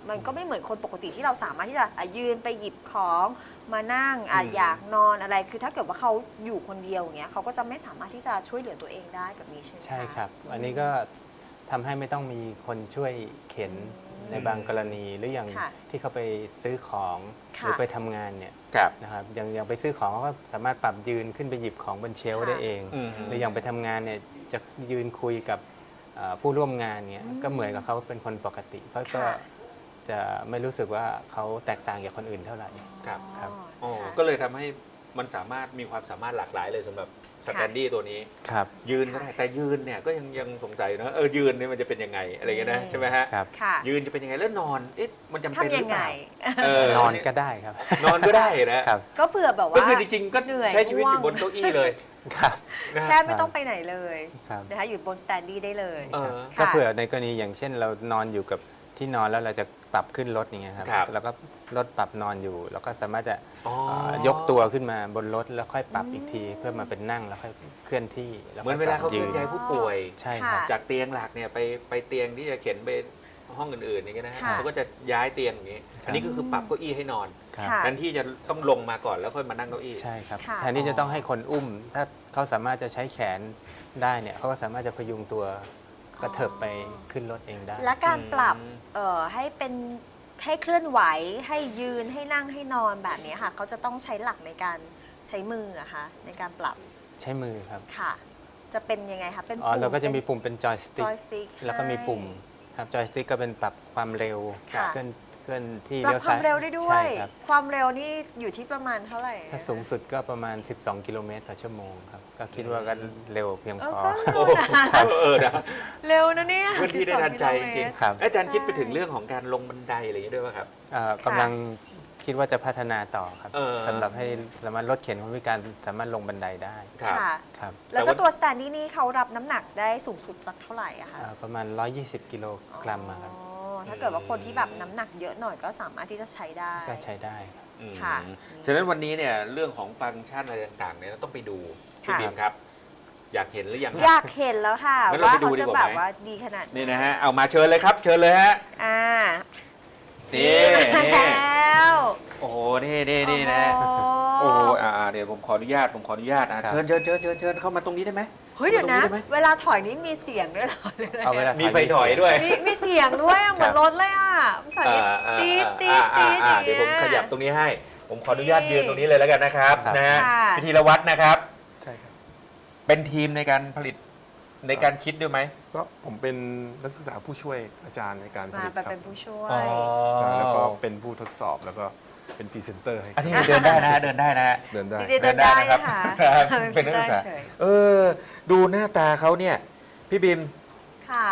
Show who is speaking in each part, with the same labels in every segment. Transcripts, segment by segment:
Speaker 1: มันก็ไม่เหมือนคนปกติที่เราสามารถที่จะยืนไปหยิบของมานั่งอยากนอนอะไรคือถ้าเกิดว่าเขาอยู่คนเดียวอย่างเงี้ยเขาก็จะไม่สามารถที่จะช่วยเหลือตัวเองได้แบบนี้ใช่ไหมคะ
Speaker 2: ใช่ครับ อันนี้ก็ทำให้ไม่ต้องมีคนช่วยเข็นในบางกรณีหรืออย่าง
Speaker 1: ค่ะ
Speaker 2: ที่เขาไปซื้อของห
Speaker 1: ค่ะ
Speaker 2: รือไปทำงานเนี่ย
Speaker 3: ครับ
Speaker 2: นะครับอย่างไปซื้อของเขาก็สามารถปรับยืนขึ้นไปหยิบของบนเชลฟ์
Speaker 1: ค่ะ
Speaker 2: ได้เอง
Speaker 3: อืม
Speaker 2: หรืออย่างไปทำงานเนี่ยจะยืนคุยกับผู้ร่วมงานเนี่ยก็เหมือนกับเขาเป็นคนปกติเขาก็
Speaker 1: ค่ะ
Speaker 2: จะไม่รู้สึกว่าเขาแตกต่างจากคนอื่นเท่าไหร่
Speaker 3: ครับ
Speaker 2: ครับ
Speaker 3: โอ้
Speaker 1: ค่ะ
Speaker 3: ก็เลยทำให้มันสามารถมีความสามารถหลากหลายเลยสำหรับสแตนดี้ตัวนี้
Speaker 2: ครับ
Speaker 3: ยืนก็ได้แต่ยืนเนี่ยก็ยังสงสัยนะยืนเนี่ยมันจะเป็นยังไงอะไรเงี้ยนะใช่ไหมฮะ
Speaker 2: ครับ
Speaker 1: ค่ะ
Speaker 3: ยืนจะเป็นยังไงแล้วนอนมันจำเป็น
Speaker 1: ทำ
Speaker 3: ห
Speaker 1: ยั
Speaker 3: รื
Speaker 1: ง
Speaker 3: อเป
Speaker 1: ไง
Speaker 3: ล่าน
Speaker 2: อนก็ได้ครับ
Speaker 3: นอนก็ได้นะครับ
Speaker 1: ก็เผื่อแบบว่า
Speaker 3: ก็คือจริงๆก็
Speaker 1: เหนื่อย
Speaker 3: ใช้ชีวิตอยู่
Speaker 1: ง่วง
Speaker 3: บนเก้าอี้เลย
Speaker 2: ครับ
Speaker 3: นะ
Speaker 1: แค่ไม่ต้องไปไหนเลย
Speaker 2: ครับ
Speaker 1: นะคะอยู่บนสแตนดี้ได้เลย
Speaker 3: เออ
Speaker 2: ก็
Speaker 1: ค่ะ
Speaker 2: เผื่อในกรณีอย่างเช่นเรานอนอยู่กับที่นอนแล้วเราจะปรับขึ้นรถอย่างเงี้ยครับ
Speaker 3: ครับ
Speaker 2: แล้วก็รถปรับนอนอยู่ แล้วก็สามารถจะ
Speaker 3: อ๋อ
Speaker 2: ยกตัวขึ้นมาบนรถแล้วค่อยปรับอีกที เพื่อมาเป็นนั่งแล้วค่อยเคลื่อนที่แล้ว
Speaker 3: เหมือนเวลาเขาเคลื่อนย้ายผู้ป่วย
Speaker 2: ใช่ครับ
Speaker 1: ค่ะ
Speaker 3: จากเตียงหลักเนี่ยไปเตียงที่จะเข็นไปห้องอื่นๆอย่างเงี้ยนะฮะ
Speaker 1: ค่ะ
Speaker 3: เขาก็จะย้ายเตียงอย่างงี้ อันนี้ก็คือปรับเก้าอี้ให้นอน
Speaker 2: ครับ
Speaker 1: ค่ะ
Speaker 3: แทนที่จะต้องลงมาก่อนแล้วค่อยมานั่งเก้าอี้
Speaker 2: ใช่ครับ
Speaker 1: ค่ะ
Speaker 2: แทนที่จะต้องให้คนอุ้ม ถ้าเขาสามารถจะใช้แขนได้เนี่ยเขาก็สามารถจะพยุงตัวกระเถิบไปขึ้นรถเองได้
Speaker 1: และการปรับ
Speaker 3: อืม
Speaker 1: ให้เป็นให้เคลื่อนไหวให้ยืนให้นั่งให้นอนแบบนี้ค่ะเขาจะต้องใช้หลักในการใช้มืออะคะในการปรับ
Speaker 2: ใช้มือครับ
Speaker 1: ค่ะ จะเป็นยังไงคะเป็น
Speaker 2: อ๋อเราก็จะมีปุ่มเป็นจอยส
Speaker 1: จ
Speaker 2: ติ๊ก
Speaker 1: อยสติ๊ก
Speaker 2: แล้วก็มีปุ่มครับจอยสติ๊กก็เป็นปรับความเร็ว
Speaker 1: ค่ะ
Speaker 2: เคลื่อนที่
Speaker 1: ปรับ
Speaker 2: เลี้ยว
Speaker 1: ควา
Speaker 2: ซ้าม ย
Speaker 1: เร็วได้ด้ว
Speaker 2: ใช่
Speaker 1: ย
Speaker 2: ครับ
Speaker 1: ความเร็วนี่อยู่ที่ประมาณเท่าไหร่
Speaker 2: ถ้าสูงสุดก็ประมาณ 12 กิโลเมตรต่อชั่วโมงครับ ก็คิดว่าก็เร็วเพียงพอ
Speaker 1: ก็
Speaker 3: โอ้
Speaker 1: เร็วนะ
Speaker 3: นะ
Speaker 1: เร็วนะเนี่ย
Speaker 3: พื้นที่ได้ทันใจจริง
Speaker 2: ครับ
Speaker 3: ๆอาจารย์คิดไปถึงเรื่องของการลงบันไดอะไรอย่างนี้ด้วยป่ะครับ
Speaker 2: กำลังคิดว่าจะพัฒนาต่อครับ
Speaker 3: เออ
Speaker 2: สำหรับให้สามารถลดเข็นคนพิการสามารถลงบันไดได้
Speaker 3: ครับ
Speaker 1: ค่ะ
Speaker 2: ครับ
Speaker 1: แล้วเจ้าตัวสแตนดี้นี่เขารับน้ำหนักได้สูงสุดสักเท่าไหร่อะคะ
Speaker 2: ประมาณ 120 กิโลกรัมอะครับ
Speaker 1: อ๋อถ้าเกิดว่าคนที่แบบน้ำหนักเยอะหน่อยก็สามารถที่จะใช้ได้
Speaker 2: ก็ใช้ได้ครับ
Speaker 3: อืม
Speaker 1: ค่ะ
Speaker 3: ฉะนั้นวันนี้เนี่ยเรื่องของฟังก์ชันอะไรต่างๆเนี่ยเราต้องไปดูพี่
Speaker 1: ค่ะ
Speaker 3: บีมครับ อยากเห็นหรือยัง
Speaker 1: อยากเห็นแล้วค่ะ
Speaker 3: งั้นเรา
Speaker 1: ว่า
Speaker 3: ไปดู
Speaker 1: เขา
Speaker 3: ดี
Speaker 1: จะ
Speaker 3: กว่า
Speaker 1: แบบ
Speaker 3: ไหม
Speaker 1: ว่าดีขนาดไห
Speaker 3: นี่นะฮะเอามาเชิญเลยครับ เชิญเลยฮะ
Speaker 1: อ่า
Speaker 3: นี่
Speaker 1: มา
Speaker 3: นี่
Speaker 1: แล้ว
Speaker 3: โอ้โหนี่นะ โอ้โหเดี๋ยวผมขออนุญาต
Speaker 2: ครับ
Speaker 3: เชิญเข้ามาตรงนี้ได้ไหม
Speaker 1: เฮ้ยเดี๋ยวนะ
Speaker 3: ตรงนี้ได้ไหม
Speaker 1: เวลาถอยนี่มีเสียงด้วยเหรอหรืออะไร
Speaker 2: เอาเวลา
Speaker 3: มีไฟถอยด้วย
Speaker 1: มีเสียงด้วยอะเหมือนรถเลยอ่ะสายนี้ตีดตีดตีดอย่าง
Speaker 3: เดี๋ยวผมขยับตรงนี้ให้ ผมขออนุญาต
Speaker 1: นี่
Speaker 3: ยืนตรงนี้เลยแล้วกันนะครับ
Speaker 2: ครับ
Speaker 3: นะฮะ
Speaker 1: ค่ะ
Speaker 3: พิธีรวัตรนะครับ
Speaker 4: ใช่ครับ
Speaker 3: เป็นทีมในการผลิตในการคิดด้วยไหม
Speaker 4: ก็ผมเป็นนักศึกษาผู้ช่วยอาจารย์ในการผ
Speaker 1: มา
Speaker 4: ลิต
Speaker 1: ไป
Speaker 4: ครั
Speaker 1: เป็น
Speaker 4: บ
Speaker 1: ผู้ช่วย
Speaker 4: แล้วก็เป็นผู้ทดสอบแล้วก็เป็นพรีเซนเตอร์ให้
Speaker 3: อันนี้เดินได้นะฮะเดินได้นะฮะ
Speaker 4: เดินได้
Speaker 1: จริงๆเดินได้นะคะ
Speaker 3: ครับ
Speaker 1: เป็
Speaker 3: เป็น
Speaker 1: น
Speaker 3: นักศึกษา
Speaker 1: เฉย
Speaker 3: ดูหน้าตาเขาเนี่ย พี่บิม
Speaker 1: ค่ะ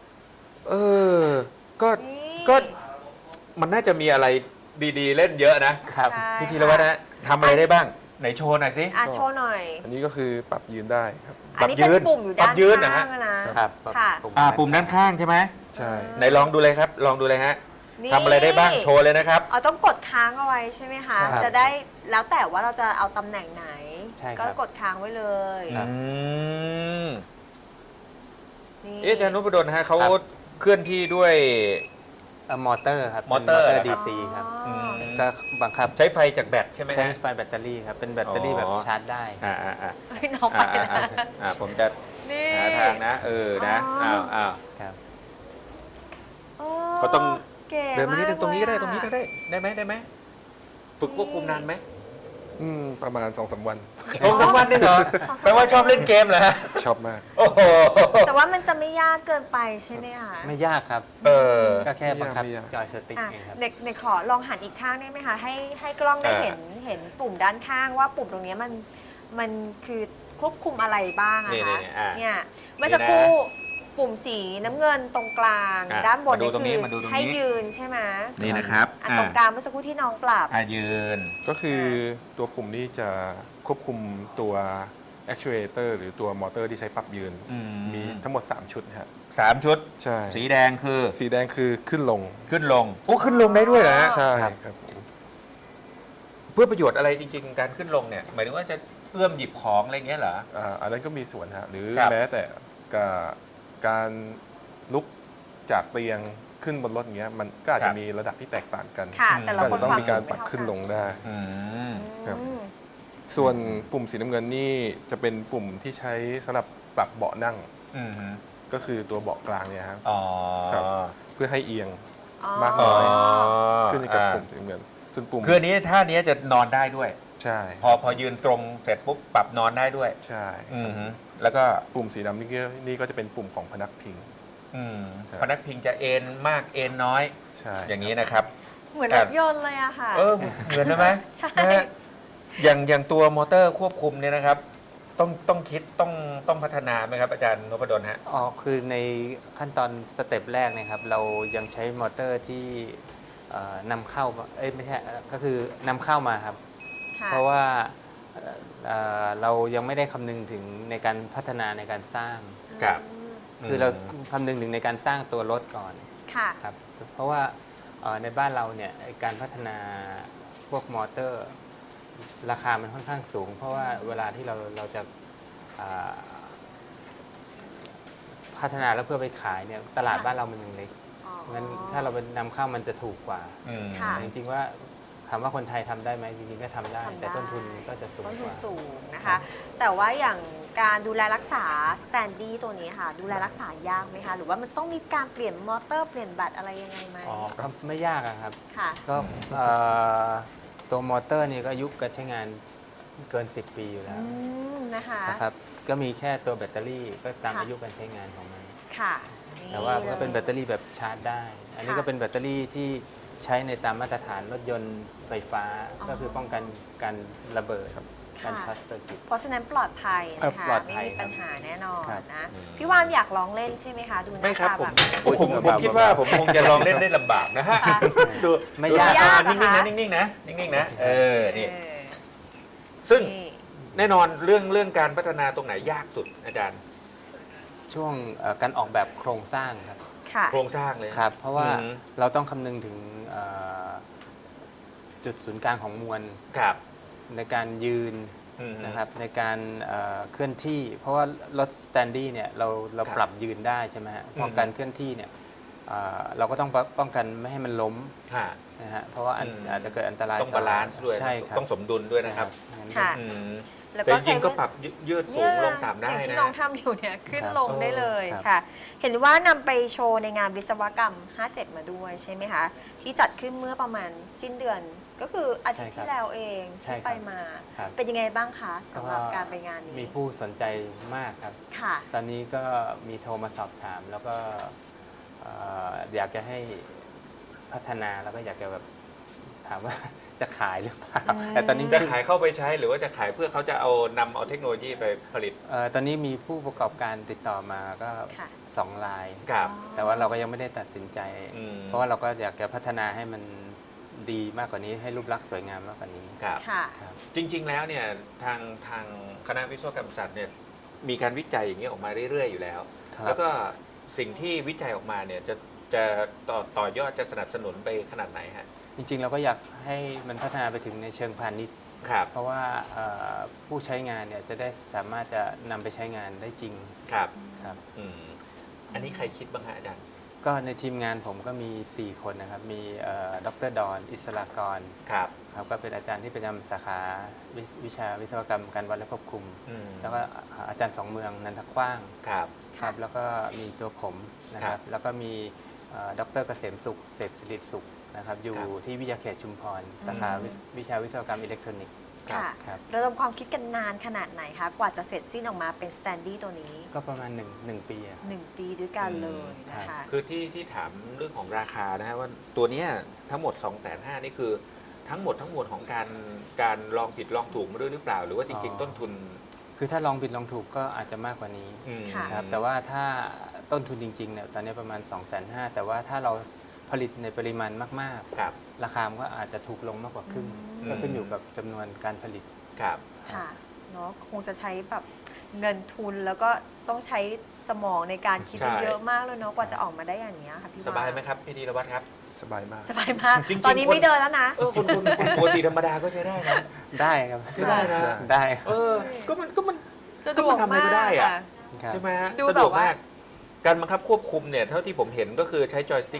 Speaker 3: ก็
Speaker 1: นี่
Speaker 3: ก็มันน่าจะมีอะไรดีๆ เล่นเยอะนะ
Speaker 2: ครับ
Speaker 1: ใช่
Speaker 3: พี่ธีรวัฒน์นะทำอะไรได้บ้าง ไหนโชว์หน่อยสิ
Speaker 1: โชว์หน่อย
Speaker 4: อันนี้ก็คือปรับยืนได้ครับ
Speaker 1: อันนี้เป็นปุ่มอยู่ด้าน
Speaker 3: ปรับยืนนะฮะ
Speaker 1: ข้างอะนะ
Speaker 2: ครับ
Speaker 1: ค่ะ
Speaker 3: ปุ่มด้านข้างใช่ไหม
Speaker 4: ใช่
Speaker 3: ไหนลองดูเลยครับ ลองดูเลยฮะ
Speaker 1: นี่
Speaker 3: ทำอะไรได้บ้างโชว์เลยนะครับ
Speaker 1: เอาต้องกดค้างเอาไว้ใช่ไหมคะ
Speaker 2: ใช่
Speaker 1: จะได้แล้วแต่ว่าเราจะเอาตำแหน่งไหน
Speaker 2: ใช่ครับ
Speaker 1: ก็กดค้างไว้เลย
Speaker 2: ครับ
Speaker 1: นี่
Speaker 3: อาจารย์นพดลฮะเขา
Speaker 2: ครับ
Speaker 3: เคลื่อนที่ด้วย
Speaker 2: มอเตอร์ครับ
Speaker 3: มอเตอร์
Speaker 2: เป็น
Speaker 3: เหรอครับ
Speaker 2: DC ครับ
Speaker 1: อ๋อ
Speaker 2: ก็บังคับ
Speaker 3: ใช้ไฟจากแบตใช่ไหม
Speaker 2: ใช้
Speaker 3: ฮะ
Speaker 2: ไฟแบตเตอรี่ครับ เป็นแบตเตอรี่แบบชาร์จได้
Speaker 3: อ่า
Speaker 1: เฮ้ยน้องไปแล้ว
Speaker 3: ผมจะ
Speaker 1: นี่
Speaker 3: หาทางนะนะ
Speaker 1: อ๋อ
Speaker 3: อ้าว
Speaker 2: ครับ
Speaker 1: โอ้
Speaker 3: ก็ต้อง
Speaker 1: ก๋
Speaker 3: เดินมานิดนึงตรงนี้ก็ได้
Speaker 1: มาก
Speaker 3: ตรงนี้ก็
Speaker 1: เลย
Speaker 3: ได้ได้ไหมฝึกควบคุมนานไหม
Speaker 4: ประมาณ 2-3 วัน
Speaker 3: 2-3 วันนี่เหรอแปลว่าชอบเล่นเกมเหรอฮะ
Speaker 4: ชอบมาก
Speaker 3: โอ้โห
Speaker 1: แต่ว่ามันจะไม่ยากเกินไปใช่ไหมคะ
Speaker 2: ไม่ยากครับ
Speaker 3: เออ
Speaker 2: ก็แค่บังคับ
Speaker 4: ไม่ยาก
Speaker 2: จอยสติ๊ก
Speaker 1: อ่ะ
Speaker 2: เองครับ
Speaker 1: เด็กขอลองหันอีกข้างได้ไหมคะ ให้กล้องได้เห็นปุ่มด้านข้างว่าปุ่มตรงเนี้ยมันคือควบคุมอะไรบ้างอะ
Speaker 3: นี่
Speaker 1: คะ
Speaker 3: ๆ
Speaker 1: เนี่ยเมื่อสักครู่ปุ่มสีน้ำเงินตรงกลาง
Speaker 3: อ่ะ
Speaker 1: ด้านบน
Speaker 3: มาดู
Speaker 1: นี่
Speaker 3: ตรงนี้
Speaker 1: คือ
Speaker 3: มาดูตรงนี้
Speaker 1: ให้ยืนใช่ไหม
Speaker 3: นี่นะครับ
Speaker 1: อันตรงกลางเมื่อสักครู่ที่น้องปรับ
Speaker 3: ยืน
Speaker 4: ก็คือตัวปุ่มนี้จะควบคุมตัว actuator หรือตัวมอเตอร์ที่ใช้ปรับยืน มีทั้งหมด 3 ชุดครับ
Speaker 3: 3 ชุด
Speaker 4: ใช่
Speaker 3: สีแดงคือ
Speaker 4: สีแดงคือขึ้นลง
Speaker 3: ขึ้นลงโอ้ขึ้นลงได้ด้วยเหรอฮะ
Speaker 4: ใช่
Speaker 2: ครับ
Speaker 4: ครับผม
Speaker 3: เพื่อประโยชน์อะไรจริงๆ การขึ้นลงเนี่ย หมายถึงว่าจะเอื้อมหยิบของอะไรเงี้ยเหรอ
Speaker 4: อันนั้นก็มีส่วนฮะหรือ
Speaker 3: ครับ
Speaker 4: แม้แต่การลุกจากเตียงขึ้นบนรถอย่างเงี้ยมันก็อาจ
Speaker 3: ครั
Speaker 4: จะ
Speaker 3: บ
Speaker 4: มีระดับที่แตกต่างกัน
Speaker 1: ค่ะ
Speaker 3: อืม
Speaker 1: แต่
Speaker 4: ก็
Speaker 1: ละ
Speaker 4: อาจ
Speaker 1: คน
Speaker 4: จะต้อง
Speaker 1: ความ
Speaker 4: มีการ
Speaker 1: สูง
Speaker 4: ปรับ
Speaker 1: ไม่เท่
Speaker 4: ขึ้นลงได้
Speaker 3: อืม
Speaker 4: ครับ
Speaker 1: อืม
Speaker 4: ส่วนปุ่มสีน้ำเงินนี่จะเป็นปุ่มที่ใช้สำหรับปรับเบาะนั่ง
Speaker 3: อืม
Speaker 4: ก็คือตัวเบาะกลางเนี่ยครับ
Speaker 3: อ๋อ
Speaker 4: ครับ เพื่อให้เอียง
Speaker 1: อ๋อ
Speaker 4: มาก
Speaker 3: อ๋
Speaker 4: น้
Speaker 3: อ
Speaker 4: อย ขึ้นอยู่กับปุ่มสีน้ำเงินส่วนปุ่ม
Speaker 3: คืออันนี้ท่านี้จะนอนได้ด้วย
Speaker 4: ใช่
Speaker 3: พอยืนตรงเสร็จปุ๊บปรับนอนได้ด้วย
Speaker 4: ใช่
Speaker 3: อืมแล้วก็
Speaker 4: ปุ่มสีดำนี่ก็จะเป็นปุ่มของพนักพิง
Speaker 3: อืม
Speaker 4: ครับ
Speaker 3: พนักพิงจะเอ็นมากเอ็นน้อย
Speaker 4: ใช่
Speaker 3: อย่างนี้นะครับ
Speaker 1: เหมือนรถยนต์เลยอะค่ะ
Speaker 3: เหมือนไหม
Speaker 1: ใช่
Speaker 3: นะฮะอย่างตัวมอเตอร์ควบคุมเนี่ยนะครับ ต้องคิดต้องพัฒนาไหมครับอาจารย์นพดลฮะ
Speaker 2: อ๋อคือในขั้นตอนสเต็ปแรกนะครับ เรายังใช้มอเตอร์ที่นำเข้ามาไม่ใช่ก็คือนำเข้ามาครับ
Speaker 1: ค่ะ
Speaker 2: เพราะว่าเรายังไม่ได้คำนึงถึงในการพัฒนาในการสร้าง
Speaker 3: ครับ
Speaker 2: คือเราคำนึงถึงในการสร้างตัวรถก่อน
Speaker 1: ค่ะ
Speaker 2: ครับเพราะว่าในบ้านเราเนี่ยการพัฒนาพวกมอเตอร์ราคามันค่อนข้างสูง เพราะว่าเวลาที่เราจะอ่าพัฒนาแล้วเพื่อไปขายเนี่ยตลาด
Speaker 1: ค่ะ
Speaker 2: บ้านเรามันยังเล็ก
Speaker 1: อ๋อ
Speaker 2: งั้นถ้าเราเป็นนำเข้ามันจะถูกกว่า
Speaker 3: อืม
Speaker 1: ค่ะ
Speaker 2: แต่จริงๆว่าถามว่าคนไทยทำได้ไหมจริงๆก็ทำได้
Speaker 1: ทำได้
Speaker 2: แต่ต้นทุนก็จะสูง
Speaker 1: ต้น
Speaker 2: ก
Speaker 1: ทุน
Speaker 2: ว่า
Speaker 1: สูงนะคะ แต่ว่าอย่างการดูแลรักษาสแตนดี้ตัวนี้ค่ะ ดูแลรักษายากไหมคะ หรือว่ามันจะต้องมีการเปลี่ยนมอเตอร์เปลี่ยนแบตอะไรยังไงไหม
Speaker 2: อ๋อก็ไม่ยากอะครับ
Speaker 1: ค่ะ
Speaker 2: ก็ตัวมอเตอร์นี่ก็อายุการใช้งานเกิน 10 ปีอยู่แล้ว
Speaker 1: นะคะ
Speaker 2: นะครับก็มีแค่ตัวแบตเตอรี่ก็ตาม
Speaker 1: ค่ะ
Speaker 2: อายุการใช้งานของมัน
Speaker 1: ค่ะ
Speaker 2: แต่ว่าก็เป็นแบตเตอรี่แบบชาร์จได้ อันนี้
Speaker 1: ค่ะ
Speaker 2: ก็เป็นแบตเตอรี่ที่ใช้ในตามมาตรฐานรถยนต์ไฟฟ้า
Speaker 1: อ๋อ
Speaker 2: ก็คือป้องกันการระเบิดการ
Speaker 1: ค่ะ
Speaker 2: ช็อตเซอร์กิต
Speaker 1: เพราะฉะนั้นปลอดภัยนะคะ
Speaker 2: ปลอด
Speaker 1: ไม่
Speaker 2: ภัย
Speaker 1: มีปัญหาแน่นอน
Speaker 2: ครับ
Speaker 1: นะ
Speaker 3: อืม
Speaker 1: พี่วานอยากลองเล่นใช่ไหมคะ ดูห
Speaker 3: ไม่
Speaker 1: น้า
Speaker 3: ครับ
Speaker 1: ตา
Speaker 3: ผ
Speaker 1: แบ
Speaker 3: ม
Speaker 1: บ
Speaker 3: ผมคิดว่าผมคงจะลองเล่นได้ลำบากนะฮะ
Speaker 1: ค่ะ
Speaker 3: ดู
Speaker 2: ไม่
Speaker 3: ดู
Speaker 2: ยาก
Speaker 3: อ่
Speaker 1: นะคะ
Speaker 3: นิ่งๆนะนิ่งๆนะนี่
Speaker 1: เออ
Speaker 3: ซึ่ง
Speaker 1: นี่
Speaker 3: แน่นอนเรื่องการพัฒนาตรงไหนยากสุดอาจารย์
Speaker 2: ช่วงการออกแบบโครงสร้างครับ
Speaker 1: ค่ะ
Speaker 3: โครงสร้างเลย
Speaker 2: ครับ เพราะว่า
Speaker 3: อืม
Speaker 2: เราต้องคำนึงถึงจุดศูนย์กลางของมวล
Speaker 3: ครับ
Speaker 2: ในการยืน
Speaker 3: อืม
Speaker 2: นะครับในการเคลื่อนที่ เพราะว่ารถสแตนดี้เนี่ยเรา
Speaker 3: ครับ
Speaker 2: ปรับยืนได้ใช่ไหมฮะพอ
Speaker 3: ม
Speaker 2: การเคลื่อนที่เนี่ยเราก็ต้องป้องกันไม่ให้มันล้ม
Speaker 3: ค่ะ
Speaker 2: นะฮะเพราะว่าอาจจะเกิดอันตราย
Speaker 3: ต้องบาลานซ์ด้วย
Speaker 2: ใช่ครับ
Speaker 3: ต้องสมดุลด้วยนะครับ
Speaker 2: งั้น
Speaker 1: ค่ะ
Speaker 3: อืม
Speaker 1: แล้ว
Speaker 3: แต่
Speaker 1: ก็
Speaker 3: จริงๆก็
Speaker 1: ใช้
Speaker 3: ปรับยืดสูงลงต่ำได้
Speaker 1: อย่างที่
Speaker 3: นะ
Speaker 1: น้องทำอยู่เนี่ยขึ้น
Speaker 2: ครับ
Speaker 1: ลงได้เลย
Speaker 2: ครับ
Speaker 1: ค่ะ เห็นว่านำไปโชว์ในงานวิศวกรรม 57 มาด้วยใช่ไหมคะ ที่จัดขึ้นเมื่อประมาณสิ้นเดือน ก็คืออาทิตย์ที่แล้วเอง
Speaker 2: ใช่
Speaker 1: ที่
Speaker 2: ครับ
Speaker 1: ไปมา
Speaker 2: ครับ
Speaker 1: เป็นยังไงบ้างคะสำหรับ
Speaker 2: ก็
Speaker 1: การไปงานนี้
Speaker 2: มีผู้สนใจมากครับ
Speaker 1: ค่ะ
Speaker 2: ตอนนี้ก็มีโทรมาสอบถาม แล้วก็อยากจะให้พัฒนาแล้วก็อยากจะแบบถามว่า จะขายหรือเปล่า
Speaker 1: อืม
Speaker 2: แต่ตอนนี้
Speaker 3: จะขายเข้าไปใช้หรือว่าจะขายเพื่อเขาจะนำเอาเทคโนโลยีไปผลิต
Speaker 2: ตอนนี้มีผู้ประกอบการติดต่อมาก็
Speaker 1: ค่ะ
Speaker 2: 2 ราย
Speaker 3: ครับ
Speaker 2: แต่ว่าเราก็ยังไม่ได้ตัดสินใจ
Speaker 3: อืม
Speaker 2: เพราะว่าเราก็อยากจะพัฒนาให้มันดีมากกว่านี้ให้รูปลักษณ์สวยงามมากกว่านี้
Speaker 3: ครับ
Speaker 1: ค่ะ
Speaker 2: ครับ
Speaker 3: จริง ๆ แล้วเนี่ยทางคณะวิศวกรรมศาสตร์เนี่ยมีการวิจัยอย่างนี้ออกมาเรื่อย ๆ อยู่แล้ว
Speaker 2: ครับ
Speaker 3: แล้วก็สิ่งที่วิจัยออกมาเนี่ยจะต่อยอดจะสนับสนุนไปขนาดไหนฮะ
Speaker 2: จริงๆ เราก็อยากให้มันพัฒนาไปถึงในเชิงพาณิชย์
Speaker 3: ครับ
Speaker 2: เพราะว่าผู้ใช้งานเนี่ยจะได้สามารถจะนำไปใช้งานได้จริง
Speaker 3: ครับ
Speaker 2: ครับ
Speaker 3: อืมอันนี้ใครคิดบ้างฮะอาจารย์
Speaker 2: ก็ในทีมงานผมก็มี 4 คนนะครับ มีดรดอนอิสรากร
Speaker 3: ครับ
Speaker 2: ครับก็เป็นอาจารย์ที่ประจำสาขาวิชาวิศวกรรมการวัดและควบคุม
Speaker 3: อืม
Speaker 2: แล้วก็อาจารย์สองเมืองนันทกว้าง
Speaker 3: ครับ
Speaker 2: ครับแล้วก็มีตัวผมนะค
Speaker 3: ครั
Speaker 2: รับ บแล้วก็มีดรเกษมสุขเสพสิริสุขนะครับอยู่
Speaker 3: ครับ
Speaker 2: ที่วิทยาเขตชุมพรสาขาวิชาวิศวกรรมอิเล็กทรอนิกส์
Speaker 1: ค่ะ
Speaker 2: ครับ
Speaker 1: ระดมความคิดกันนานขนาดไหนคะ กว่าจะเสร็จสิ้นออกมาเป็นสแตนดี้ตัวนี้
Speaker 2: ก็ประมาณ1 ปีอะ
Speaker 1: 1 ปีด้วยกันเลยนะคะ
Speaker 3: คือที่ถามเรื่องของราคานะฮะว่าตัวเนี้ยทั้งหมด 250,000นี่คือทั้งหมดของการลองผิดลองถูกมาด้วยหรือเปล่า หรือว่าจริง ๆ ต้นทุน
Speaker 2: คือถ้าลองผิดลองถูกก็อาจจะมากกว่านี้
Speaker 1: ค่ะ
Speaker 2: ครับแต่ว่าถ้าต้นทุนจริงๆเนี่ยตอนนี้ประมาณ 250,000แต่ว่าถ้าเราผลิตในปริมาณมาก
Speaker 3: ครับ
Speaker 2: ๆ ราคามันก็อาจจะถูกลงมากกว่าครึ่ง
Speaker 1: อืม
Speaker 2: ก็ขึ้นอยู่กับจำนวนการผลิต
Speaker 3: ครับ
Speaker 1: ค่ะเนาะคงจะใช้แบบเงินทุนแล้วก็ต้องใช้สมองในการคิด
Speaker 3: ใช่
Speaker 1: เยอะมากเลยเนาะกว่าจะออกมาได้อย่างนี้ยค่ะพี่
Speaker 3: สบายไหมครับพี่ธีรวัตรครับ
Speaker 4: สบายมาก
Speaker 1: สบายมาก
Speaker 3: จริงๆ
Speaker 1: ตอนนี้ไม่เดินแล้วนะ
Speaker 3: คุณปกติธรรมดาก็ใช้ได้นะ
Speaker 2: ได้ครับ
Speaker 3: ใช้ได้นะ
Speaker 2: ได้
Speaker 3: ก็มัน
Speaker 1: สะดวก
Speaker 3: ก็มันทำอะไร
Speaker 1: มา
Speaker 3: ก็
Speaker 1: ก
Speaker 3: ได้อะ
Speaker 1: ค่ะ
Speaker 2: ครับ
Speaker 3: ใช่ไหมฮะ
Speaker 1: ดู
Speaker 3: สะดวก
Speaker 1: แบบว่า
Speaker 3: มาก การบังคับควบคุมเนี่ยเท่าที่ผมเห็นก็คือใช้จอยสติ๊ก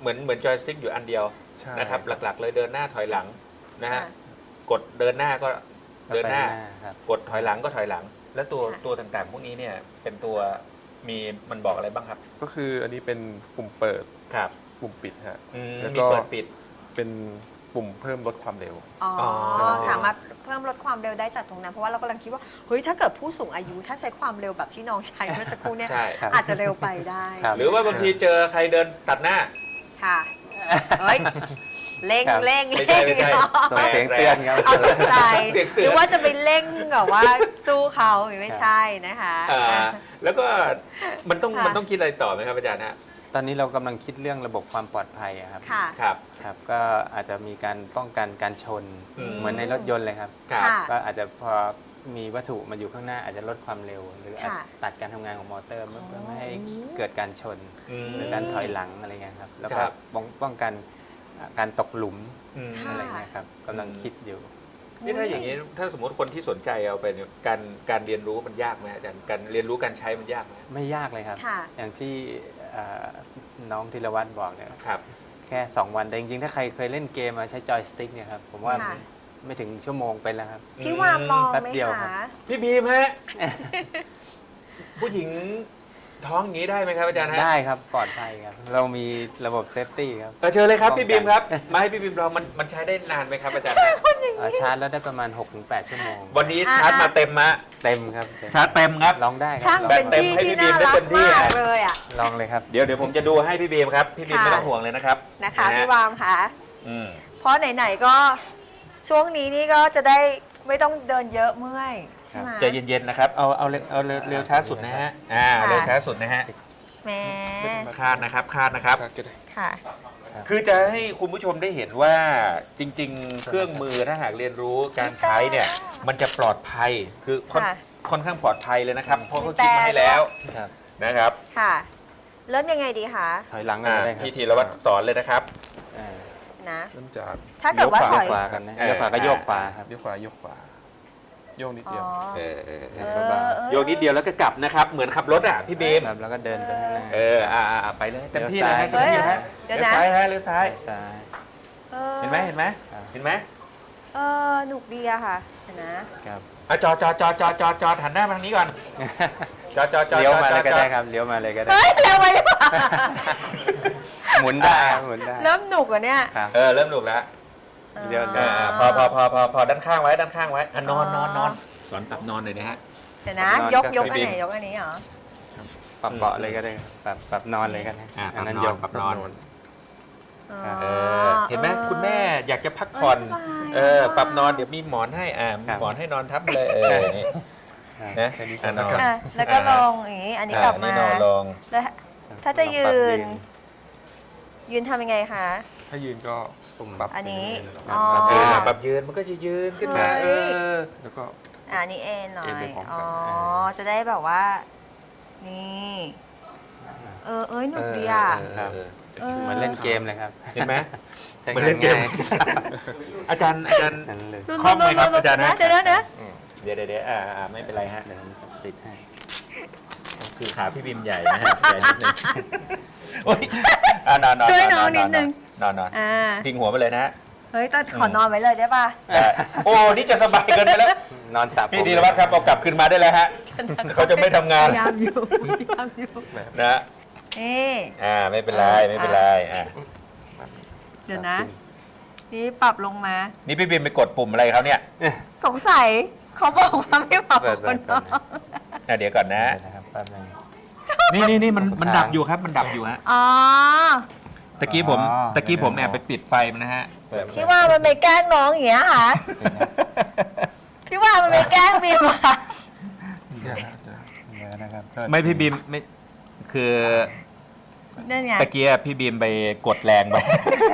Speaker 3: เหมือนจอยสติ๊กอยู่อันเดียว
Speaker 4: ใช่
Speaker 3: นะครับ หลักๆ เลยเดินหน้าถอยหลังนะฮะ
Speaker 1: ค่ะ
Speaker 3: กดเดินหน้าก็เดินหน้า
Speaker 2: ก็ไปครับ
Speaker 3: กดถอยหลังก็ถอยหลัง แล้วตัว
Speaker 1: ค่ะ
Speaker 3: ตัวต่างๆ พวกนี้เนี่ยเป็นตัวมีมันบอกอะไรบ้างครับ
Speaker 4: ก็คืออันนี้เป็นปุ่มเปิด
Speaker 3: ครับ
Speaker 4: ปุ่มปิดฮะ แล้ว
Speaker 3: มี
Speaker 4: ก็
Speaker 3: เปิดปิด
Speaker 4: เป็นปุ่มเพิ่มลดความเร็ว
Speaker 1: อ๋อ
Speaker 3: อ
Speaker 1: สามารถเพิ่มลดความเร็วได้จากตรงนั้น เพราะว่าเรากำลังคิดว่าเฮ้ยถ้าเกิดผู้สูงอายุถ้าใช้ความเร็วแบบที่น้องใช้เมื่อสักครู่เนี่ย
Speaker 3: ใช่
Speaker 2: ครับ
Speaker 1: อาจจะเร็วไปได้
Speaker 2: ครับ
Speaker 3: หรือว่าบางทีเจอใครเดินตัดหน้า
Speaker 1: ค่ะเฮ้ยเร่ง
Speaker 2: ครับ
Speaker 1: เร่ง
Speaker 3: ไม่ใช่ไม่ใช่
Speaker 2: ส่งเสียงเตือนครับ
Speaker 1: เอาตกใจ
Speaker 3: เสียงเตือน
Speaker 1: หรือว่าจะไปเร่งแบบว่าสู้เขาอย่างนี้ไม่ใช่นะคะ
Speaker 3: แล้วก็มันต้อง
Speaker 1: ค่ะ
Speaker 3: มันต้องคิดอะไรต่อไหมครับอาจารย์ฮะ
Speaker 2: ตอนนี้เรากำลังคิดเรื่องระบบความปลอดภัยอะครับ
Speaker 1: ค่ะ
Speaker 3: ครับ
Speaker 2: ครับก็อาจจะมีการป้องกันการชน
Speaker 3: อืม
Speaker 2: เหมือนในรถยนต์เลยครับ
Speaker 3: ครับ
Speaker 1: ค่ะ
Speaker 2: ก็อาจจะพอมีวัตถุมาอยู่ข้างหน้าอาจจะลดความเร็ว หรืออาจ
Speaker 1: ค่ะ
Speaker 2: ตัดการทำงานของมอเตอร์เพื่อไม่ให้
Speaker 1: อ๋อ
Speaker 2: เกิดการชน
Speaker 3: อืม
Speaker 2: หรือการถอยหลังอะไรเงี้ยครับแล้ว
Speaker 3: ค
Speaker 2: ก็
Speaker 3: รับ
Speaker 2: ป้องกันการตกหลุม
Speaker 3: อืม
Speaker 1: ค่ะ
Speaker 2: อะไรเงี้ยครับกำลังคิดอยู่
Speaker 3: นี่ถ้าอย่างนี้ถ้าสมมติคนที่สนใจเอาไปเนี่ยการเรียนรู้มันยากไหมอาจารย์การเรียนรู้การใช้มันยากไหม
Speaker 2: ไม่ยากเลยครับ
Speaker 1: ค่ะ
Speaker 2: อย่างที่เอ่อน้องธีรวัตรบอกเนี่ย
Speaker 3: ครับ
Speaker 2: แค่ 2 วันแต่จริงๆ ถ้าใครเคยเล่นเกมมาใช้จอยสติ๊กเนี่ยครับผมว่า
Speaker 1: ค่ะ
Speaker 2: ไม่ถึงชั่วโมงเป็นแล้วครับ
Speaker 1: พี่วามลอง
Speaker 2: แป๊บ
Speaker 1: ไหม
Speaker 2: เดียวครั
Speaker 1: คะ
Speaker 2: บ
Speaker 3: พี่บีมฮะ ผู้หญิงท้องอย่างนี้ได้ไหมครับอาจารย์ฮะ
Speaker 2: ได้ครับปลอดภัยครับ เรามีระบบเซฟตี้ครับ
Speaker 3: เชิญเลยครับ
Speaker 2: ป้องกัน
Speaker 3: พี่บีมครับมาให้พี่บีมลองมันใช้ได้นานไหมครับอาจารย์ฮะ
Speaker 2: ชาร์จแล้วได้ประมาณ 6-8 ชั่วโมง
Speaker 3: วันนี้ชาร์จมาเต็มมะ
Speaker 2: เต็มครับเต็ม
Speaker 3: ชาร์จเต็มครับ
Speaker 2: ลองได้ครั
Speaker 1: ช่าง
Speaker 2: ลอง
Speaker 1: เป็น
Speaker 3: เต็ม
Speaker 1: พี่
Speaker 3: ให้
Speaker 1: ที่
Speaker 3: พี่บี
Speaker 1: น่าม
Speaker 3: ได้
Speaker 1: รั
Speaker 3: เต็
Speaker 1: ก
Speaker 3: มที่
Speaker 1: มาก
Speaker 3: อะ
Speaker 1: เลยอ่ะ
Speaker 2: ลองเลยครับ
Speaker 3: เดี๋ยวผมจะดูให้พี่บีมครับพี่บีม
Speaker 1: ค่ะ
Speaker 3: ไม่ต้องห่วงเลยนะครับ
Speaker 1: นะคะพี่วามค่ะ
Speaker 3: อืม
Speaker 1: เพราะไหนๆก็ช่วงนี้นี่ก็จะได้ไม่ต้องเดินเยอะเมื่อยใช่ไหม
Speaker 3: ใจเย็นๆนะครับเอาเร็วช้าสุดนะฮะเร็วช้าสุดนะฮะ
Speaker 1: แหม
Speaker 3: คาดนะครับคาดนะครับ
Speaker 1: ค่ะ
Speaker 3: คือจะให้คุณผู้ชมได้เห็นว่าจริง ๆ เครื่องมือถ้าหากเรียนรู้การใช้เนี่ยมันจะปลอดภัยคือ
Speaker 1: ค่ะ
Speaker 3: ค่อนข้างปลอดภัยเลยนะครับเพราะเขา
Speaker 1: แต่
Speaker 3: คิดมาให้แล้ว
Speaker 2: ครับ
Speaker 3: นะครับ
Speaker 1: ค่ะ เริ่มยังไงดีคะ
Speaker 2: ถอยหลังก็
Speaker 3: อ่า
Speaker 2: ได้ครับ
Speaker 3: พี่ธีรวัตรสอนเลยนะครับ
Speaker 2: อ่า
Speaker 1: นะ
Speaker 4: เริ่มจาก
Speaker 1: ถ้าเกิดว่า
Speaker 4: ลี้ย
Speaker 1: ถ
Speaker 2: โย
Speaker 1: อย
Speaker 2: กขวากันนะเลี้ยวขวาก็โยกขวาครับ
Speaker 4: เลี้ยวขวาโยกขวาโยกนิด
Speaker 1: อ๋
Speaker 4: เดียว
Speaker 1: อ
Speaker 3: เออ
Speaker 1: เออ
Speaker 3: โยกนิดเดียวแล้วก็กลับนะครับเหมือนขับรถอ่ะพี่บีม
Speaker 2: ครับแล้วก็เดินไปข้างหน้า
Speaker 3: ไปเลยเต็มที่เลยฮะ
Speaker 2: เลี้
Speaker 3: เต็ม
Speaker 2: ยว
Speaker 3: ที่
Speaker 2: ซ้าย
Speaker 3: ฮะ
Speaker 1: เดี๋ยว
Speaker 3: เลี้ยว
Speaker 1: นะ
Speaker 3: ซ้ายฮะเลี้ยวซ้าย
Speaker 2: ซ้าย
Speaker 3: เห็นไหม
Speaker 2: ครับ
Speaker 3: เห็นไหม
Speaker 1: หนุกดีอะค่ะเห็นนะ
Speaker 2: ครับ
Speaker 3: จอดหันหน้ามาทางนี้ก่อนจอด
Speaker 2: เลี้ยวมาเลยก็ได้ครับเลี้ยวมาเลยก็ได้
Speaker 1: เฮ้ยเร็วไปหรือเปล่า
Speaker 2: หมุนได้ครับหมุนได้
Speaker 1: เริ่มหนุกอ่ะเนี่ย
Speaker 2: ครับ
Speaker 3: เริ่มหนุกแล้ว
Speaker 2: เดี๋ยว
Speaker 3: พอด้านข้างไว้ด้านข้างไว้นอนสอนปรับนอนเลยนะฮะ
Speaker 1: เดี๋ยวนะ
Speaker 2: นอน
Speaker 1: ยก
Speaker 2: ก็
Speaker 1: อันไหน
Speaker 2: คือ
Speaker 1: ยกอันนี้เหรอ
Speaker 2: ปรับเบาะเลยก็ได้ครับปรับนอนเลยก็ได้
Speaker 3: ปรับ
Speaker 2: นั้น
Speaker 3: นอย น
Speaker 2: ก
Speaker 3: ปรับนอน
Speaker 1: อ๋อ
Speaker 3: เห็นไหมคุณแม่อยากจะพักผ่อน
Speaker 1: เออสบาย
Speaker 3: ปรับนอนเดี๋ยวมีหมอนให้มีหมอนให้นอนทับเลยนี่
Speaker 2: ครับ
Speaker 3: นะ
Speaker 4: แค่นี้ก่อน
Speaker 3: นอน
Speaker 4: นะครับ
Speaker 1: แล้วก็ลงอย่างนี้ อันนี้กลับมา
Speaker 3: นี่นอนลง
Speaker 1: แล้วถ้าจะยื
Speaker 2: ปรับ
Speaker 1: น ยืนทำยังไงคะ
Speaker 4: ถ้ายืนก็
Speaker 2: ปุ่ม
Speaker 4: ปรับ
Speaker 1: อันนี้
Speaker 4: ไป
Speaker 1: อ๋อ
Speaker 4: เรื่อยๆ
Speaker 3: ปรับยืนมันก็จะยืนขึ้นมา
Speaker 1: เฮ้ย
Speaker 4: แล้วก็
Speaker 1: อันนี้เอ็นหน่อ
Speaker 4: เอ็น
Speaker 1: ย
Speaker 4: ไปพร้อมกัน
Speaker 1: อ๋อ จะได้แบบว่า นี่ หนุกดีอ่ะ
Speaker 2: ครับ
Speaker 1: เออ
Speaker 2: เหมือนเล่นเกมเลยครับ
Speaker 3: เห็นไหม
Speaker 2: ใช้
Speaker 3: เหมือน
Speaker 2: งา
Speaker 3: เล่
Speaker 2: น
Speaker 3: นเกม
Speaker 2: ง่าย
Speaker 3: อาจารย์
Speaker 2: นั่นเลย
Speaker 1: ดู
Speaker 3: คล่องไหมครับ
Speaker 1: ดู
Speaker 3: อาจารย์นะ
Speaker 1: เดี๋ยวนะ
Speaker 3: เดี๋ยวไม่เป็นไรฮะ
Speaker 2: เดี๋ยวผมติดให้
Speaker 3: คือขาพี่บิมใหญ่นะฮะใหญ่นิดนึงโอ๊ยนอน
Speaker 1: ช่วยน้องนิดนึง
Speaker 3: นอน
Speaker 1: อ่า
Speaker 3: พิงหัวไปเลยนะฮะ
Speaker 1: เฮ้ยต้องขอนอนไว้เลยได้ป่ะ
Speaker 3: โอ้นี่จะสบายเกินไปแล้ว
Speaker 2: นอนสระผม
Speaker 3: พี่ธีรวัตรครับเอากลับคืนมาได้แล้วฮะเขาจะไม่ทำงาน
Speaker 1: พยายามอยู่พยายามอยู่
Speaker 3: นะ
Speaker 1: นี่
Speaker 3: ไม่เป็นไรไม่เป็นไรอ่ะ
Speaker 1: เดี๋ยวนะ นี่ปรับลงมา
Speaker 3: นี่พี่บิมไปกดปุ่มอะไรเขาเนี่ย
Speaker 1: สงสัยเขาบอกว่าไม่ปรับ
Speaker 2: เปิด
Speaker 1: คน
Speaker 2: ก่
Speaker 1: น้
Speaker 2: อ
Speaker 1: อน ง
Speaker 3: เดี๋ยวก่อนนะ
Speaker 2: นะครับแป๊บนึง
Speaker 3: นี่มันดับอยู่ครับมันดับอยู่ฮะ
Speaker 1: อ๋อ
Speaker 3: ตะกี้ผมแอบไปปิดไฟมันนะฮะ
Speaker 2: เปิด
Speaker 1: พี่ว่ามันไปแกล้งน้องอย่างเงี้ยค่ะ พี่ว่ามันไปแกล้งบีมอะค่ะ
Speaker 2: เดี๋ยวนะครับ
Speaker 3: ไม่พี่บิมไม่คือ
Speaker 1: นั่นไง
Speaker 3: ตะกี้พี่บีมไปกดแรงไป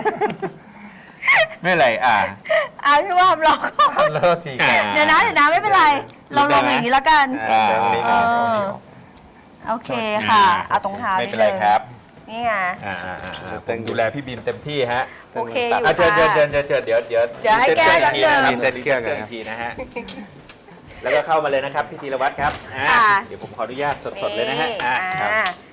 Speaker 3: ไม่เป็นไร
Speaker 1: พี่ว่าลอง
Speaker 2: เลิกที
Speaker 1: เดี๋ยวนะไม่เป็นไร เราลองอย่างนี้แล้วกัน
Speaker 2: เดี๋ยวนี้
Speaker 1: เออโอเคค่ะ เอาตรงเท้า
Speaker 3: ไม่เป็นไรครับ
Speaker 1: นี่ไง
Speaker 3: ผมดูแลพี่บีมเต็มที่ฮะ
Speaker 1: โอเคอยู่
Speaker 3: เชิญ
Speaker 1: ค่ะ
Speaker 3: เชิญเดี๋ยว
Speaker 1: เดี๋ยวให้แก้กันเดิม
Speaker 3: รีเซ็ตเครื่องอีกทีนะฮะแล้วก็เข้ามาเลยนะครับพี่ธีรวัตรครับ
Speaker 1: ค่ะ
Speaker 3: เดี๋ยวผมขออนุญาตสดๆเลยนะฮะ
Speaker 1: อ่า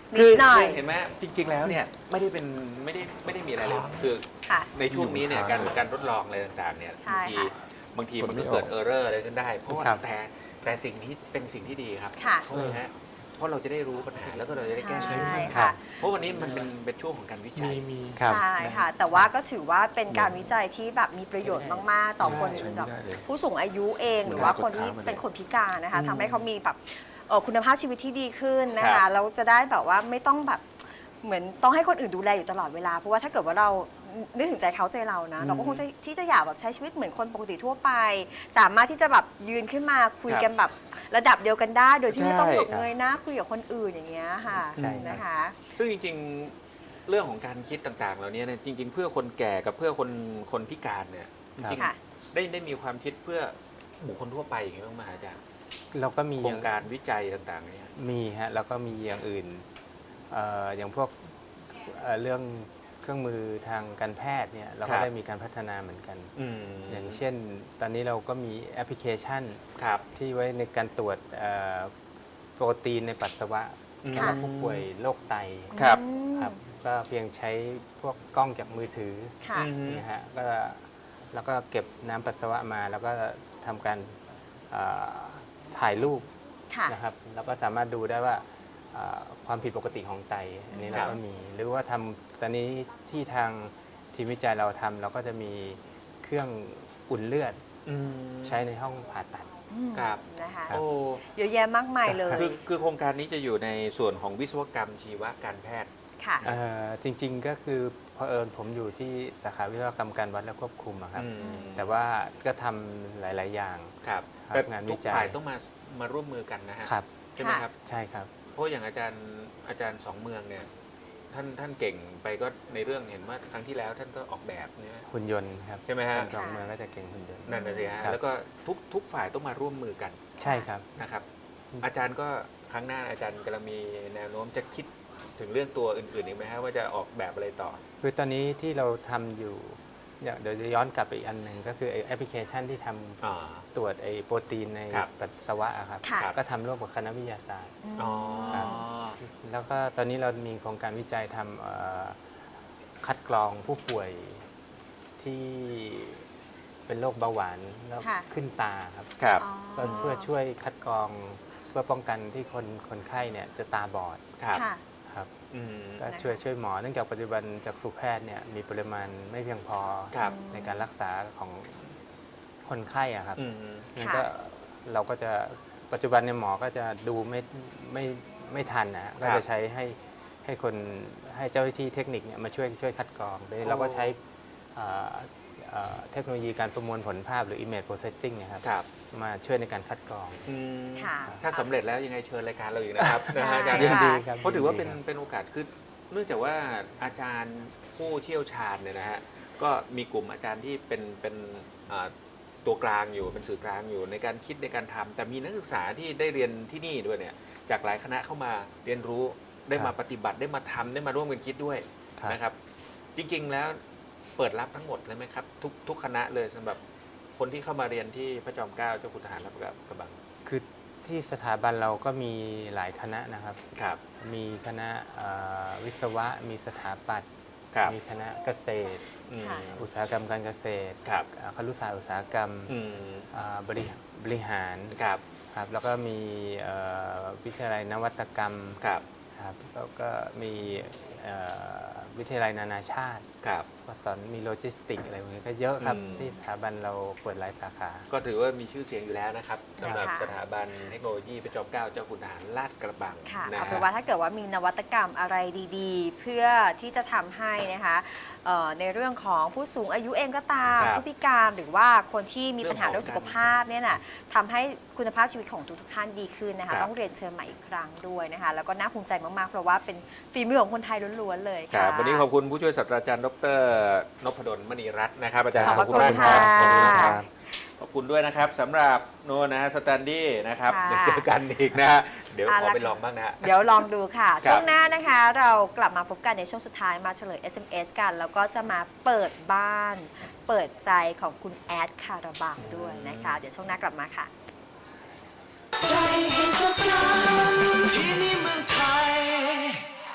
Speaker 1: นิดหน่อย
Speaker 3: เห็นไหมจริง ๆ แล้วเนี่ยไม่ได้มีอะไรเลยคือ
Speaker 1: ค่ะ
Speaker 3: ในช่วงนี้เนี่ยการทดลองอะไรต่างๆเนี่ย
Speaker 1: ใช่
Speaker 3: บางที
Speaker 4: กด
Speaker 3: มัน
Speaker 4: ไม่
Speaker 3: ก็
Speaker 4: ออก
Speaker 3: เกิดเออร์เรอร์อะไรขึ้นได้ เพราะว่า
Speaker 2: ครับ
Speaker 3: แต่สิ่งนี้เป็นสิ่งที่ดีครับ
Speaker 1: ค่ะ
Speaker 3: เพราะอะไรฮะเพราะเราจะได้รู้ปัญหาแล้วก็เราจะได้แก้ไข
Speaker 1: ใช่
Speaker 2: ครั
Speaker 1: ค่ะ
Speaker 2: บ
Speaker 3: เพราะวันนี้มันเป็นช่วงของการวิจัย
Speaker 4: มี
Speaker 2: ครับ
Speaker 1: ใช่ค่ะ แต่ว่าก็ถือว่าเป็นการวิจัยที่แบบมีประโยชน์มาก ๆ ต่อคน
Speaker 4: ใช้ไม่
Speaker 1: แบบ
Speaker 4: ได้เลย
Speaker 1: ผู้สูงอายุเองหรือว่าคนที่เป็นคนพิการนะคะทำให้เขามีแบบคุณภาพชีวิตที่ดีขึ้นนะ
Speaker 3: ครั
Speaker 1: คะ
Speaker 3: บ
Speaker 1: แล้วจะได้แบบว่าไม่ต้องแบบเหมือนต้องให้คนอื่นดูแลอยู่ตลอดเวลา เพราะว่าถ้าเกิดว่าเรานึกถึงใจเขาใจเรานะ เราก็คงจะที่จะอยากแบบใช้ชีวิตเหมือนคนปกติทั่วไป สามารถที่จะแบบยืนขึ้นมาคุยกันแบบระดับเดียวกันได้ โดยที่ไม่ต้องแบบเงยหน้าคุยกับคนอื่นอย่างเงี้ยค่ะ
Speaker 2: ใช่ครับ
Speaker 1: นะคะ
Speaker 3: ซึ่งจริงๆเรื่องของการคิดต่างๆ เหล่านี้เนี่ยจริง ๆ เพื่อคนแก่กับเพื่อคนพิการเนี่ยจริง
Speaker 1: ค่ะ
Speaker 3: ๆได้มีความคิดเพื่อบุคคลทั่วไปอย่างนี้บ้างไหมอาจารย์
Speaker 2: เราก็มี
Speaker 3: โครงการวิจัยต่างๆเนี่ย
Speaker 2: มีฮะแล้วก็มีอย่างอื่นอย่างพวกเรื่องเครื่องมือทางการแพทย์เนี่ยเรา
Speaker 3: ครั
Speaker 2: ก็
Speaker 3: บ
Speaker 2: ได้มีการพัฒนาเหมือนกัน อย่าง
Speaker 3: ม
Speaker 2: เช่น ตอนนี้เราก็มีแอปพลิเคชัน
Speaker 3: ครับ
Speaker 2: ที่ไว้ในการตรวจโปรตีนในปัสสาวะ
Speaker 3: อืม
Speaker 2: สำหรับผู้ป่วยโรคไต
Speaker 3: ครับ
Speaker 1: อืม
Speaker 2: ครับก็เพียงใช้พวกกล้องจากมือถือ
Speaker 1: ค่ะ
Speaker 2: นะฮะก็แล้วก็เก็บน้ำปัสสาวะมาแล้วก็ทำการถ่ายรูป
Speaker 1: ค่ะ
Speaker 2: นะครับแล้วก็สามารถดูได้ว่าความผิดปกติของไตอันนี้
Speaker 3: ค
Speaker 2: เรา
Speaker 3: รับ
Speaker 2: ก็มี หรือว่าทำตอนนี้ที่ทางทีมวิจัยเราทำเราก็จะมีเครื่องอุ่นเลือดใช้ในห้องผ่าตัด
Speaker 3: ครับ
Speaker 1: นะคะ
Speaker 2: ครับ
Speaker 3: โอ้
Speaker 1: เยอะแยะมากมายเลย
Speaker 3: คือโครงการนี้จะอยู่ในส่วนของวิศวกรรมชีวการแพทย์
Speaker 1: ค่ะ
Speaker 2: จริงๆก็คือเผอิญผมอยู่ที่สาขาวิศวกรรมการวัดและควบคุมอะครับ
Speaker 3: อืม
Speaker 2: แต่ว่าก็ทำหลายๆอย่าง
Speaker 3: ครับ
Speaker 2: ครับ
Speaker 3: แต่
Speaker 2: งาน
Speaker 3: ทุ
Speaker 2: วิ
Speaker 3: ก
Speaker 2: จัย
Speaker 3: ฝ่ายต้องมาร่วมมือกันนะฮะ
Speaker 2: ครับ
Speaker 3: ใช่ไหมครับ
Speaker 2: ใช่ครับ
Speaker 3: เพราะอย่างอาจารย์สองเมืองเนี่ยท่านเก่งไปก็ในเรื่องเห็นว่าครั้งที่แล้วท่านก็ออกแบบเนี่ย
Speaker 2: หุ่นยนต์ครับ
Speaker 3: ใช่ไหมฮะ
Speaker 2: ทางสองเมืองก็จะเก่งหุ่นยนต์
Speaker 3: นั่นนะสิฮะ
Speaker 2: ครับ
Speaker 3: แล้วก็ทุกฝ่ายต้องมาร่วมมือกัน
Speaker 2: ใช่ครับ
Speaker 3: นะครับ อาจารย์ก็ครั้งหน้าอาจารย์กำลังมีแนวโน้มจะคิดถึงเรื่องตัวอื่นๆอีกไหมฮะว่าจะออกแบบอะไรต่อ
Speaker 2: คือตอนนี้ที่เราทำอยู่เนี่ยเดี๋ยวจะย้อนกลับไปอีกอันหนึ่งก็คือไอ้แอปพลิเคชันที่ทำ
Speaker 3: อ๋อ
Speaker 2: ตรวจไอ้โปรตีนใน
Speaker 3: ครับ
Speaker 2: ปัสสาวะอะครับ
Speaker 1: ค่ะ
Speaker 2: ก็ทำร่วมกับคณะวิทยาศาสตร์
Speaker 3: อ๋อ
Speaker 2: ครับ แล้วก็ตอนนี้เรามีโครงการวิจัยทำคัดกรองผู้ป่วยที่เป็นโรคเบาหวานแล้ว
Speaker 1: ค่ะ
Speaker 2: ขึ้นตาครับ
Speaker 3: ครับ
Speaker 1: อ๋อ
Speaker 2: เพื่อช่วยคัดกรองเพื่อป้องกันที่คนไข้เนี่ยจะตาบอด
Speaker 3: ครับ
Speaker 1: ค่ะ
Speaker 2: ครับ
Speaker 3: อืม
Speaker 2: ก็
Speaker 1: นะคะ
Speaker 2: ช่วยหมอเนื่องจากปัจจุบันจากสุแพทย์เนี่ยมีปริมาณไม่เพียงพอ
Speaker 3: ครับ
Speaker 2: ในการรักษาของคนไข้อะครับ
Speaker 3: อืม
Speaker 2: งั้น
Speaker 1: ค่ะ
Speaker 2: ก็เราก็จะปัจจุบันเนี่ยหมอก็จะดูไม่ทันนะก็จะใช้ให้คนให้เจ้าหน้าที่เทคนิคเนี่ยมาช่วยคัดกรองโดยเราก็ใช้เทคโนโลยีการประมวลผลภาพหรือ image processing เนะครับ
Speaker 3: ครับ
Speaker 2: มาช่วยในการคัดกรอง
Speaker 3: อืม
Speaker 1: ค่ะ
Speaker 3: ถ้าสำเร็จแล้วยังไงเชิญรายการเราอีกนะครับนะฮะอาจารย์
Speaker 1: ได้
Speaker 2: ยินดีครับ
Speaker 3: เพราะถือว่าเป็น
Speaker 2: ยิดีครับ
Speaker 3: เป็นโอกาสคือเนื่องจากว่าอาจารย์ผู้เชี่ยวชาญเนี่ยนะฮะก็มีกลุ่มอาจารย์ที่เป็นตัวกลางอยู่เป็นสื่อกลางอยู่ในการคิดในการทำแต่มีนักศึกษาที่ได้เรียนที่นี่ด้วยเนี่ยจากหลายคณะเข้ามาเรียนรู้ได้มาปฏิบัติได้มาทำได้มาร่วมกันคิดด้วย
Speaker 2: ครับ
Speaker 3: นะครับ จริงๆแล้วเปิดรับทั้งหมดเลยไหมครับทุกคณะเลยสำหรับคนที่เข้ามาเรียนที่พระจอมเกล้าเจ้าคุณทหารรับกระบัง
Speaker 2: คือที่สถาบันเราก็มีหลายคณะนะครับ
Speaker 3: ครับ
Speaker 2: มีคณะวิศวะ มีสถาปัตย์
Speaker 3: ครับ
Speaker 2: มีคณะเกษตร
Speaker 3: อืม
Speaker 1: ค่ะ
Speaker 2: อุตสาหกรรมการเกษตร
Speaker 3: ครับ
Speaker 2: ครุศาสตร์อุตสาหกรรม
Speaker 3: อืม
Speaker 2: บริหาร
Speaker 3: ครับ
Speaker 2: ครับแล้วก็มีวิทยาลัยนวัตกรรม
Speaker 3: ครับ
Speaker 2: ครับแล้วก็มีวิทยาลัยนานาชาติ
Speaker 3: ครับ
Speaker 2: ก็สอนมีโลจิสติกอะไรพวกนี้ก็เยอะครับ
Speaker 3: อืม
Speaker 2: ที่สถาบันเราเปิดหลายสาขา
Speaker 3: ก็ถือว่ามีชื่อเสียงอยู่แล้วนะครับสำหรับ
Speaker 1: ค่ะ
Speaker 3: สถาบันเทคโนโลยีพระจอมเกล้าเจ้าคุณทหารลาดกระบัง
Speaker 1: ค่ะ
Speaker 3: นะ
Speaker 1: เอา
Speaker 3: ฮะ
Speaker 1: เป็นว่าถ้าเกิดว่ามีนวัตกรรมอะไรดีๆ เพื่อที่จะทำให้นะคะในเรื่องของผู้สูงอายุเองก็ตาม
Speaker 3: ครับ
Speaker 1: ผู้พิการหรือว่าคนที่มีปัญหา
Speaker 3: เรื่
Speaker 1: เรื่
Speaker 3: อ
Speaker 1: อง ง
Speaker 3: ของ
Speaker 1: สุขภาพเนี่ยนะทำให้คุณภาพชีวิตของทุกๆท่านดีขึ้นนะ
Speaker 3: ครั
Speaker 1: คะ
Speaker 3: บ
Speaker 1: ต้องเรียนเชิญมาอีกครั้งด้วยนะคะแล้วก็น่าภูมิใจมากๆ เพราะว่าเป็นฝีมือของคนไทยล้วนๆเลย
Speaker 3: ค
Speaker 1: ค่ะ
Speaker 3: รับวันนี้ขอบคุณผู้ช่วยศาสตราจารย์ดรนพดลมณีรัตน์นะครับอาจารย์
Speaker 1: ขอบพระ
Speaker 3: มาก
Speaker 1: คุณ
Speaker 3: ครับ
Speaker 1: ค่ะ
Speaker 3: ขอบคุณครับขอบคุณด้วยนะครับสำหรับโน่นนะฮะสแตนดี้นะครับ
Speaker 1: ค่ะ
Speaker 3: เดี๋ยวเจอกันอีกนะฮะเดี๋ยว
Speaker 1: เอา
Speaker 3: ขอ
Speaker 1: ละ
Speaker 3: ไปลองบ้างนะฮะ
Speaker 1: เดี๋ยวลองดูค่ะ
Speaker 3: ครับ
Speaker 1: ช่วงหน้านะคะเรากลับมาพบกันในช่วงสุดท้ายมาเฉลย SMS กัน แล้วก็จะมาเปิดบ้าน เปิดใจของคุณแอดคาราบาวด้วยนะคะ เดี๋ยวช่วงหน้ากลับมาค่ะ
Speaker 5: ใจให้จดจำที่นี่เมืองไทย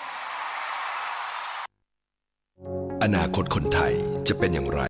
Speaker 5: อนาคตคนไทยจะเป็นอย่างไร